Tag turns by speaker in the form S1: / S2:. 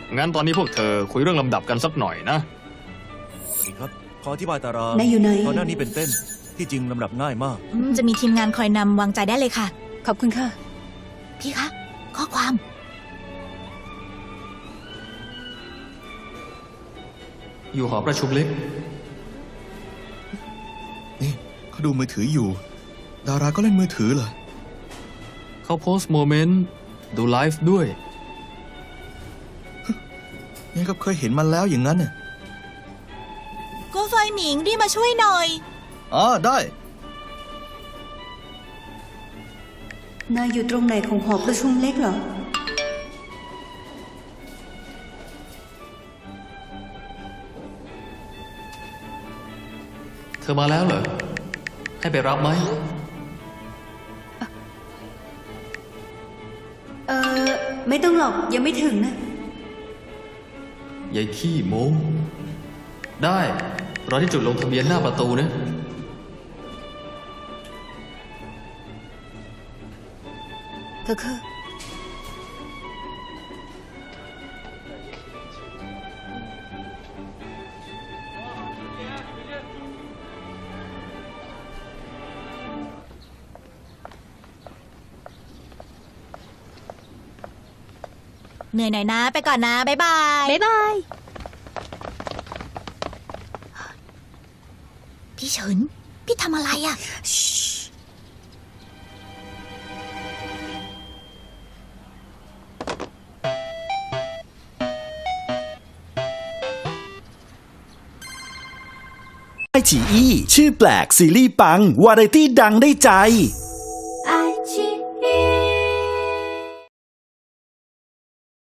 S1: งั้นตอนนี้พวกเธอคุยเรื่องลำดับกันสักหน่อยนะ
S2: สวัสดีครับ ขออธิบายตาราง
S3: นายอยู่ไหน
S2: ก่อนหน้านี้เป็นเต้น ที่จริงลำดับง่ายมาก
S4: จะมีทีมงานคอยนำวางใจได้เลยค่ะ
S3: ขอบคุณค่ะ
S4: พี่คะ ข้อความ
S1: อยู่หอประชุมเล็ก
S5: นี่เขาดูมือถืออยู่ ดาราก็เล่นมือถือเหรอ
S1: เขาโพสต์โมเมนต์ดูไลฟ์ด้วย
S5: นี่ก็เคยเห็นมันแล้วอย่างนั้นน่ะ
S4: ก็ไฟหมิงรีบมาช่วยหน่อย
S5: อ๋อได้
S3: นายอยู่ตรงไหนของหอประชุมเล็กเหรอ
S1: เธอมาแล้วเหรอ ให้ไปรับไหม
S3: ไม่ต้องหรอกยังไม่ถึงนะ
S1: ยายขี้โม้ได้ รอที่จุดลงทะเบียนหน้าประตูนะ
S3: คือ
S4: เหนื่อยหน่อยนะ ไปก่อนนะ บ๊ายบาย
S3: บ๊ายบาย
S4: พี่เฉิน พี่ทำอะไรอ่ะ
S6: ไอฉีอี้ชื่อแปลกซีรีส์ปัง วาไรตี้ดังได้ใจ